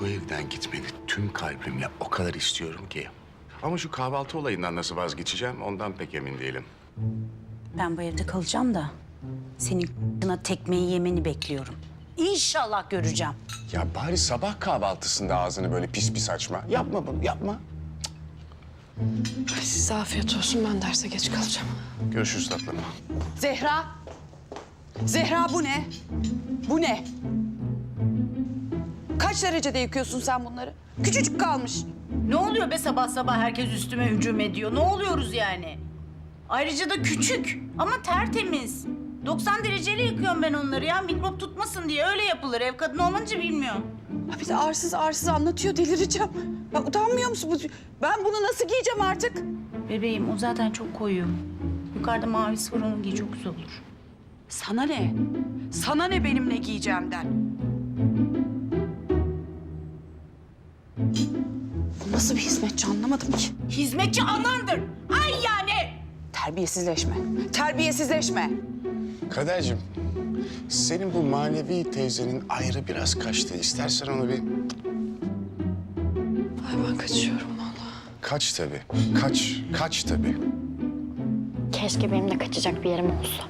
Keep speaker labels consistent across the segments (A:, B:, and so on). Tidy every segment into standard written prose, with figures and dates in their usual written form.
A: bu evden gitmeni tüm kalbimle o kadar istiyorum ki. Ama şu kahvaltı olayından nasıl vazgeçeceğim ondan pek emin değilim.
B: Ben bu evde kalacağım da senin kına tekmeyi yemeni bekliyorum. İnşallah göreceğim.
A: Ya bari sabah kahvaltısında ağzını böyle pis pis açma. Yapma bunu, yapma.
C: Size afiyet olsun, ben derse geç kalacağım.
A: Görüşürüz tatlım.
D: Zehra. Zehra bu ne? Bu ne? Kaç derecede yıkıyorsun sen bunları? Küçücük kalmış.
B: Ne oluyor be sabah sabah herkes üstüme hücum ediyor? Ne oluyoruz yani? Ayrıca da küçük ama tertemiz. 90 dereceyle yıkıyorum ben onları ya. Mikrop tutmasın diye öyle yapılır. Ev kadını olunca bilmiyorum.
D: Ha bir de arsız arsız anlatıyor, delireceğim. Ya utanmıyor musun? Ben bunu nasıl giyeceğim artık?
B: Bebeğim o zaten çok koyu. Yukarıda mavisi var onu giy çok güzel olur.
D: Sana ne? Sana ne benim ne giyeceğimden? Bu nasıl bir hizmetçi anlamadım ki.
B: Hizmetçi anandır. Ay yani.
D: Terbiyesizleşme. Terbiyesizleşme.
A: Kadercim, senin bu manevi teyzenin ayrı biraz kaçtı. İstersen onu bir...
C: Ay ben kaçıyorum vallahi.
A: Kaç tabii, kaç tabii.
E: Keşke benim de kaçacak bir yerim olsa.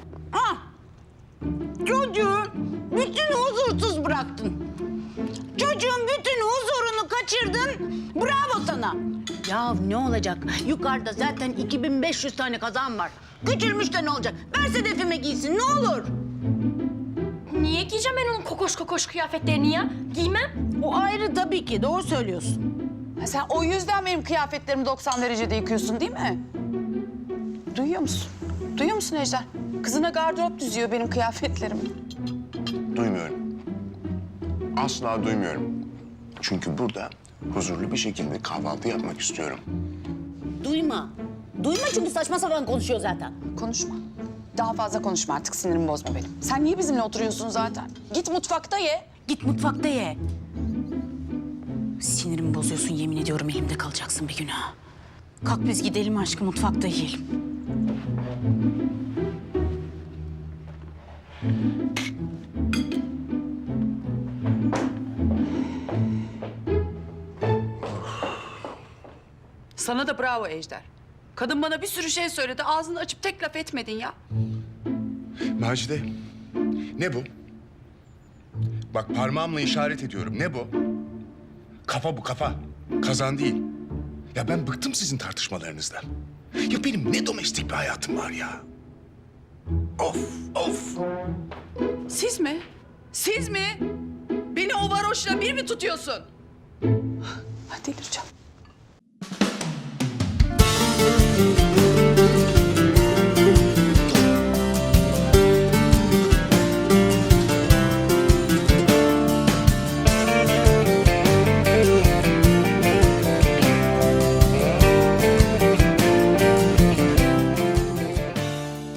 B: Çocuğu bütün huzursuz bıraktın. Çocuğun bütün huzurunu kaçırdın. Bravo sana. Ya ne olacak? Yukarıda zaten 2500 tane kazan var. Küçülmüş de ne olacak? Ver Sedef'ime giysin ne olur.
E: Niye giyeceğim ben onun kokoş kokoş kıyafetlerini ya? Giymem.
B: O ayrı tabii ki. Doğru söylüyorsun.
D: Ha sen o yüzden benim kıyafetlerimi 90 derecede yıkıyorsun değil mi? Duyuyor musun? Duyuyor musun Ejder? Kızına gardırop düzüyor benim kıyafetlerimi.
A: Duymuyorum. Asla duymuyorum. Çünkü burada huzurlu bir şekilde kahvaltı yapmak istiyorum.
B: Duyma. Duyma çünkü saçma sapan konuşuyor zaten.
D: Konuşma. Daha fazla konuşma artık, sinirimi bozma benim. Sen niye bizimle oturuyorsun zaten? Git mutfakta ye.
B: Git mutfakta ye. Sinirimi bozuyorsun yemin ediyorum elimde kalacaksın bir gün ha. Kalk biz gidelim aşkım mutfakta yiyelim.
D: Sana da bravo Ejder. Kadın bana bir sürü şey söyledi, ağzını açıp tek laf etmedin ya.
A: Macide, ne bu? Bak parmağımla işaret ediyorum. Ne bu? Kafa bu, kafa. Kazan değil. Ya ben bıktım sizin tartışmalarınızdan. Ya benim ne domestik bir hayatım var ya. Of, of.
D: Siz mi? Siz mi? Beni o varoşla bir mi tutuyorsun? Hadi delireceğim.